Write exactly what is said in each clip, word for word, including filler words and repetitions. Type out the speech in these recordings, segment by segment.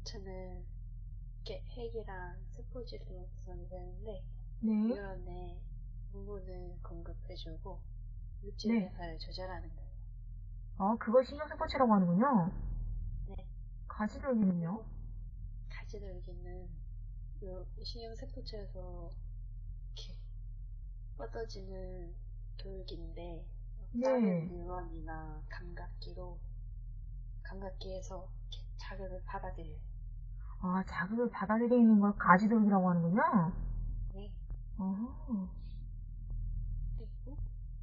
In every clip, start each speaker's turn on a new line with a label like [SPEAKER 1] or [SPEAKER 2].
[SPEAKER 1] 신경서포트는 이렇게 핵이랑 스포츠를 구성이 되는데
[SPEAKER 2] 네.
[SPEAKER 1] 뉴런의 부분을 공급해주고 물질
[SPEAKER 2] 네.
[SPEAKER 1] 배사를 조절하는 거예요.
[SPEAKER 2] 아, 그걸 신경세포체라고 하는군요.
[SPEAKER 1] 네.
[SPEAKER 2] 가시돌기는요?
[SPEAKER 1] 가지돌기는 요 신경세포체에서 이렇게 뻗어지는 돌기인데 다른
[SPEAKER 2] 네.
[SPEAKER 1] 뉴런이나 감각기로 감각기에서 이렇게 자극을 받아들여요.
[SPEAKER 2] 아, 자극을 받아들이는 걸 가시돌기라고 하는군요.
[SPEAKER 1] 네.
[SPEAKER 2] 어허.
[SPEAKER 1] 그리고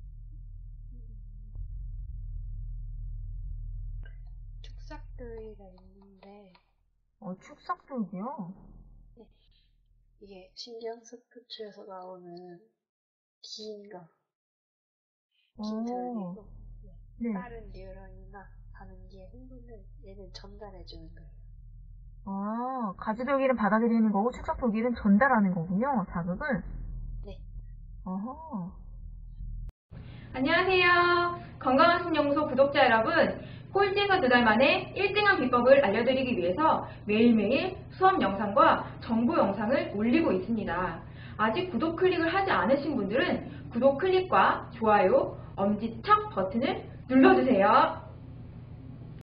[SPEAKER 1] 축삭돌기가 있는데
[SPEAKER 2] 어, 축삭돌기요?
[SPEAKER 1] 네. 이게 신경스포츠에서 나오는 긴 거, 긴
[SPEAKER 2] 어,
[SPEAKER 1] 돌기고 네.
[SPEAKER 2] 네.
[SPEAKER 1] 빠른 뉴런이나 반응기의 흥분을 얘는 전달해주는 거예요.
[SPEAKER 2] 아, 가시돌기는 받아들이는 거고 축삭돌기는 전달하는 거군요, 자극을.
[SPEAKER 1] 네.
[SPEAKER 2] 어허.
[SPEAKER 3] 안녕하세요. 건강한 신연구소 구독자 여러분, 꼴찌에서 두 달 만에 일 등한 비법을 알려드리기 위해서 매일매일 수업 영상과 정보 영상을 올리고 있습니다. 아직 구독 클릭을 하지 않으신 분들은 구독 클릭과 좋아요, 엄지척 버튼을 눌러주세요.